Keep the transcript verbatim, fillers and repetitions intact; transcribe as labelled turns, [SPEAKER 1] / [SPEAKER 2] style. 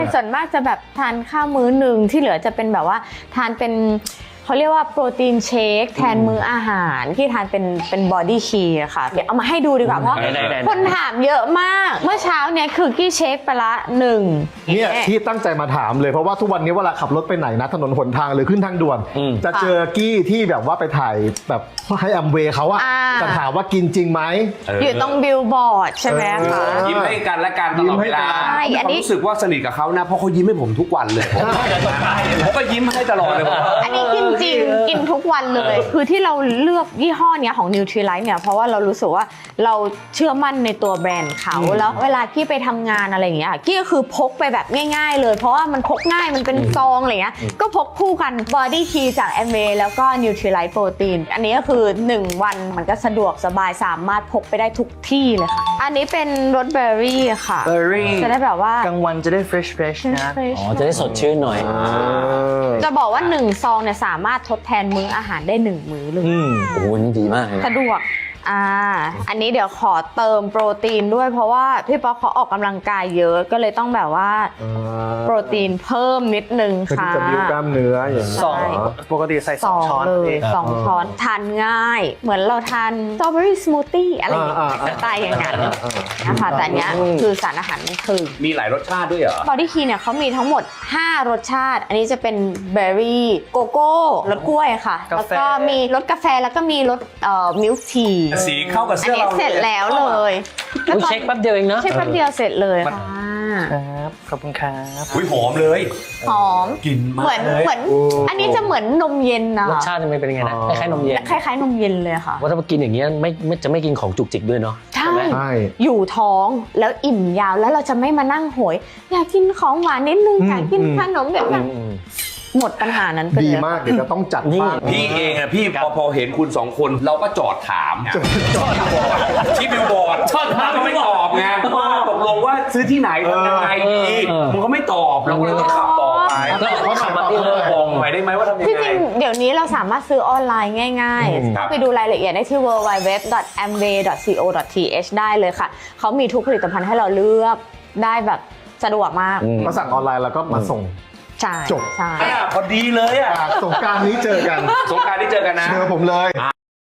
[SPEAKER 1] ส่วนมากจะแบบทานข้าวมื้อหนึ่งที่เหลือจะเป็นแบบว่าทานเป็นเขาเรียกว่าโปรตีนเชคแทนมื้ออาหารที่ทานเป็นเป็นบอดี้คีอะค่ะเดี๋ยวเอามาให้ดูดีกว่าเพราะคนถามเยอะมากเมื่อเช้าเนี้ยคือกี้เชคไปละหนึ่ง
[SPEAKER 2] เนี่ยที่ตั้งใจมาถามเลยเพราะว่าทุกวันนี้เวลาขับรถไปไหนนะถนนหนทางหรือขึ้นทางด่วน จะเจอกี้ที่แบบว่าไปถ่ายแบบให้แอมเวย์เขาอะจะถามว่ากินจริงไหม
[SPEAKER 1] อยู่ตรงบิลบอร์ดใช่ไหมคะ
[SPEAKER 3] ยิ้มให้กันและกันตลอดเวลา
[SPEAKER 1] ใช่อันนี้
[SPEAKER 3] ผมรู้สึกว่าสนิทกับเขานะเพราะเขายิ้มให้ผมทุกวันเลยผมผมก็ยิ้มให้ตลอดเลย
[SPEAKER 1] อันนี้กินจริงกินทุกวันเลยคือที่เราเลือกยี่ห้อเนี้ยของ Nutrilite เนี่ยเพราะว่าเรารู้สึกว่าเราเชื่อมั่นในตัวแบรนด์เขาแล้วเวลากี้ไปทำงานอะไรอย่างเงี้ยกี้ก็คือพกไปแบบง่ายๆเลยเพราะว่ามันพกง่ายมันเป็นซองอะไรเงี้ยก็พกคู่กัน Body Key จาก Amway แล้วก็ Nutrilite Protein อันนี้ก็คือหนึ่งวันมันก็สะดวกสบายสามารถพกไปได้ทุกที่เลยค่ะอันนี้เป็นรสเบอร์รี่ค่ะ
[SPEAKER 4] เบอร์รี่
[SPEAKER 1] จะได้แบบว่าก
[SPEAKER 4] ลางวันจะได้ fresh fresh นะ
[SPEAKER 1] fresh
[SPEAKER 5] อ๋อจะได้สดชื่นหน่อย
[SPEAKER 1] จะบอกว่าหนึ่งซองเนี่ยสามารถทดแทนมื้ออาหารได้หนึ่งมื้อเลย
[SPEAKER 5] อืมโอ้โหนี่ดีมากเลย
[SPEAKER 1] สะดวก อ่า อันนี้เดี๋ยวขอเติมโปรตีนด้วยเพราะว่าพี่ป๊อกเขาออกกำลังกายเยอะก็เลยต้องแบบว่าโปรตีนเพิ่มนิดนึง
[SPEAKER 2] เพื่อ
[SPEAKER 1] ค่ะ
[SPEAKER 2] ที่จะบิ้วกล้ามเนื้ออย่างนี้
[SPEAKER 4] สองปกติใส่ส
[SPEAKER 1] ส
[SPEAKER 4] อง
[SPEAKER 1] อง
[SPEAKER 4] ช้อน
[SPEAKER 1] เลย
[SPEAKER 4] เอง
[SPEAKER 1] สองช้อนทานง่าย เหมือนเราทานสตรอเบอรี่สมูทตี้อะไรอย่างเงี้
[SPEAKER 2] อ่าย อ่า
[SPEAKER 1] สไตล์อย่างนั้นนะคะแต่อันเนี้ยคือสารอาหารมันถึง
[SPEAKER 3] มีหลายรสชาติด้วยเหรอ
[SPEAKER 1] บอดี้คีเนี่ยเขามีทั้งหมดห้ารสชาติ อันนี้จะเป็นเบอร์รี่โกโก้รสกล้วยค่ะ แล้วก็มีรสกาแฟแล้วก็มีรสเอ่อมิลค์ที
[SPEAKER 3] สีเข้ากับ
[SPEAKER 1] อัน
[SPEAKER 3] เสื้อ
[SPEAKER 1] นี้
[SPEAKER 3] เรา
[SPEAKER 1] เสร็จแล้วเลย
[SPEAKER 5] อุ๊ยเช็คแป๊บเดียวเองนะ
[SPEAKER 1] เช็คแป๊บเดียวเสร็จเลยค่ะ
[SPEAKER 4] ครับ ขอบคุณครับ
[SPEAKER 3] อุ้ยหอมเลย
[SPEAKER 1] หอม
[SPEAKER 3] กลิ่นมา
[SPEAKER 1] เหมือน
[SPEAKER 3] เลย
[SPEAKER 1] เหมือนอันนี้จะเหมือนนมเย็นนะ
[SPEAKER 5] รส
[SPEAKER 1] คะ
[SPEAKER 5] ชาติมันเป็นยังไงนะคล้ายๆนมเย็น
[SPEAKER 1] คล้ายๆนมเย็นเลยค่ะ
[SPEAKER 5] ว่าถ้ามากินอย่างเงี้ยไม่ไม่จะไม่กินของจุกจิกด้วยเนาะ
[SPEAKER 1] ใช่
[SPEAKER 5] ไหม
[SPEAKER 2] ใช่
[SPEAKER 1] อยู่ท้องแล้วอิ่มยาวแล้วเราจะไม่มานั่งโหย อยากกินของหวานนิดนึงอยากกินขนมแบบนั้น
[SPEAKER 5] อืม
[SPEAKER 1] หมดปัญหานั้นไปเลย
[SPEAKER 2] ดีมากเดี๋ยวจะต้องจัด
[SPEAKER 5] นี่
[SPEAKER 2] บ้าง
[SPEAKER 3] พี่เองอะพี่พอพอเห็นคุณสองคนเราก็จอดถามที่บิลบอร์ดจอดถามไม่ตอบไงว่าตกลงว่าซื้อที่ไหนทำยังไงดีมึงก็ไม่ตอบเราก็เลยต้องขับต่อไป
[SPEAKER 5] แล้วเขาขับมาเองเลย
[SPEAKER 3] บอกหน่อยได้ไหมว่าทำยัง
[SPEAKER 1] ที่
[SPEAKER 3] ไง
[SPEAKER 1] จริงเดี๋ยวนี้เราสามารถซื้อออนไลน์ง่ายๆ
[SPEAKER 3] ครับ
[SPEAKER 1] เข้าไปดูรายละเอียดได้ที่ ดับเบิลยู ดับเบิลยู ดับเบิลยู ดอท แอมเวย์ ดอท ซี โอ ดอท ที เอช ได้เลยค่ะ เขามีทุกผลิตภัณฑ์ให้เราเลือกได้แบบสะดวกมาก
[SPEAKER 2] ก็สั่งออนไลน์แล้วก็มาส่ง
[SPEAKER 1] ใช่
[SPEAKER 2] จบ
[SPEAKER 1] ใช่
[SPEAKER 3] อ่ะพอดีเลยอ่ะ
[SPEAKER 2] สงกรารนี้เจอกัน
[SPEAKER 3] สงกรานต์ที่เจอกันนะ
[SPEAKER 2] เจอผมเลย
[SPEAKER 3] อ่า